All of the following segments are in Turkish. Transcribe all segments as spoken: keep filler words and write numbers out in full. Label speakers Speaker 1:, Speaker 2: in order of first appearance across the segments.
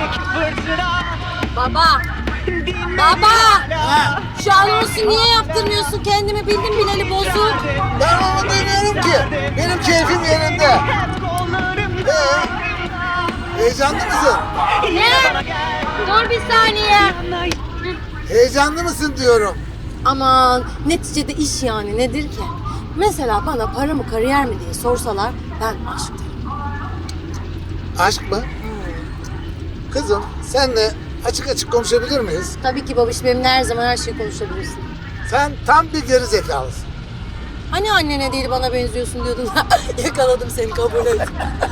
Speaker 1: Baba! Baba! Ha. Şu anonsu niye yaptırmıyorsun? Kendimi bildim bileli bozuk.
Speaker 2: Ben onu demiyorum ki. Benim keyfim yerinde. Ee, heyecanlı mısın?
Speaker 1: Ne? Dur bir saniye.
Speaker 2: Heyecanlı mısın diyorum.
Speaker 1: Aman neticede iş yani nedir ki? Mesela bana para mı kariyer mi diye sorsalar ben aşk derim.
Speaker 2: Aşk mı? Kızım senle açık açık konuşabilir miyiz?
Speaker 1: Tabii ki babiş benimle her zaman her şeyi konuşabilirsin.
Speaker 2: Sen tam bir geri zekalısın.
Speaker 1: Hani annene değil bana benziyorsun diyordun. Yakaladım seni kabul et.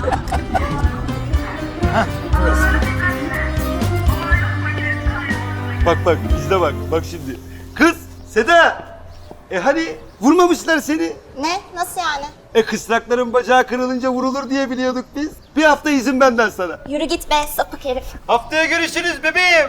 Speaker 3: Bak bak bizde bak bak şimdi. Kız Seda. E hani vurmamışlar seni.
Speaker 4: Ne? Nasıl yani?
Speaker 3: E kısrakların bacağı kırılınca vurulur diye biliyorduk biz. Bir hafta izin benden sana.
Speaker 4: Yürü git be sapık herif.
Speaker 3: Haftaya görüşürüz bebeğim.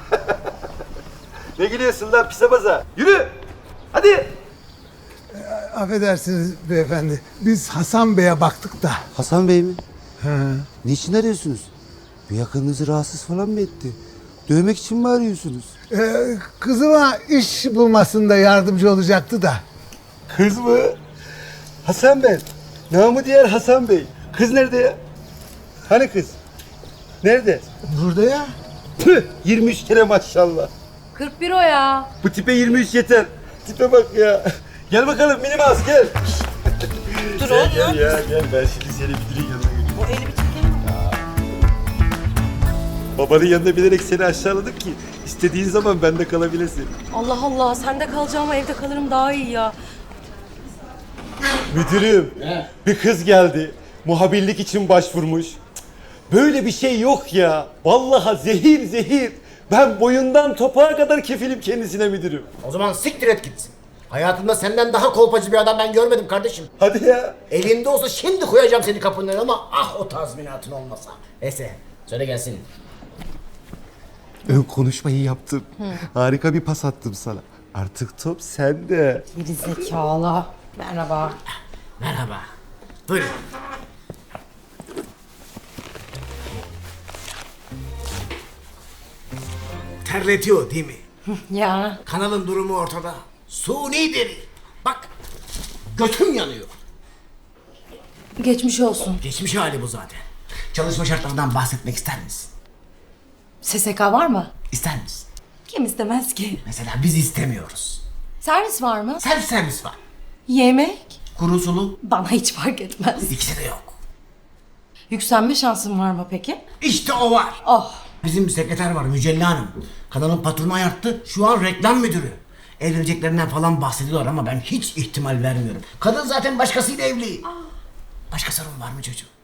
Speaker 3: Ne gülüyorsun lan pise baza? Yürü. Hadi.
Speaker 2: Affedersiniz beyefendi. Biz Hasan Bey'e baktık da.
Speaker 5: Hasan Bey mi?
Speaker 2: He.
Speaker 5: Niçin arıyorsunuz? Bir yakınınızı rahatsız falan mı etti? Dövmek için mi arıyorsunuz?
Speaker 2: Ee, kızıma iş bulmasında yardımcı olacaktı da.
Speaker 3: Kız mı? Hasan Bey. Namı diğer Hasan Bey. Kız nerede ya? Hani kız? Nerede?
Speaker 2: Burada ya.
Speaker 3: Püh, yirmi üç kere maşallah.
Speaker 1: kırk bir o ya.
Speaker 3: Bu tipe yirmi üç yeter. Tipe bak ya. Gel bakalım Minimaz gel. Dur oğlum. Gel ya gel ben şimdi seni müdürün yanına götüreyim. O eli bir çekelim. Babanın yanında bilerek seni aşağıladık ki istediğin zaman bende kalabilesin.
Speaker 1: Allah Allah sende kalacağım evde kalırım daha iyi ya.
Speaker 3: Müdürüm bir kız geldi. Muhabirlik için başvurmuş. Cık, böyle bir şey yok ya. Vallahi zehir zehir. Ben boyundan topağa kadar kefilim kendisine müdürüm.
Speaker 6: O zaman siktir et gitsin. Hayatımda senden daha kolpacı bir adam ben görmedim kardeşim.
Speaker 3: Hadi ya.
Speaker 6: Elinde olsa şimdi koyacağım seni kapının önüne ama ah o tazminatın olmasa. Neyse söyle gelsin.
Speaker 3: Ön konuşmayı yaptım. Harika bir pas attım sana. Artık top sende.
Speaker 1: Geri zekalı. Merhaba.
Speaker 6: Merhaba. Buyurun. Terletiyor değil mi?
Speaker 1: Ya.
Speaker 6: Kanalın durumu ortada. Suni deri. Bak götüm yanıyor.
Speaker 1: Geçmiş olsun.
Speaker 6: Geçmiş hali bu zaten. Çalışma şartlarından bahsetmek ister misin?
Speaker 1: S S K var mı?
Speaker 6: İster misin?
Speaker 1: Kim istemez ki?
Speaker 6: Mesela biz istemiyoruz.
Speaker 1: Servis var mı?
Speaker 6: Self servis var.
Speaker 1: Yemek?
Speaker 6: Kuru sulu
Speaker 1: Bana hiç fark etmez.
Speaker 6: ikisi de yok.
Speaker 1: Yükselme şansın var mı peki?
Speaker 6: İşte o var.
Speaker 1: Oh.
Speaker 6: Bizim bir sekreter var Mücella Hanım. Kanalın patronu ayarttı. Şu an reklam müdürü. Evleneceklerinden falan bahsediyorlar ama ben hiç ihtimal vermiyorum. Kadın zaten başkasıyla evli. Başka sorun var mı çocuğum?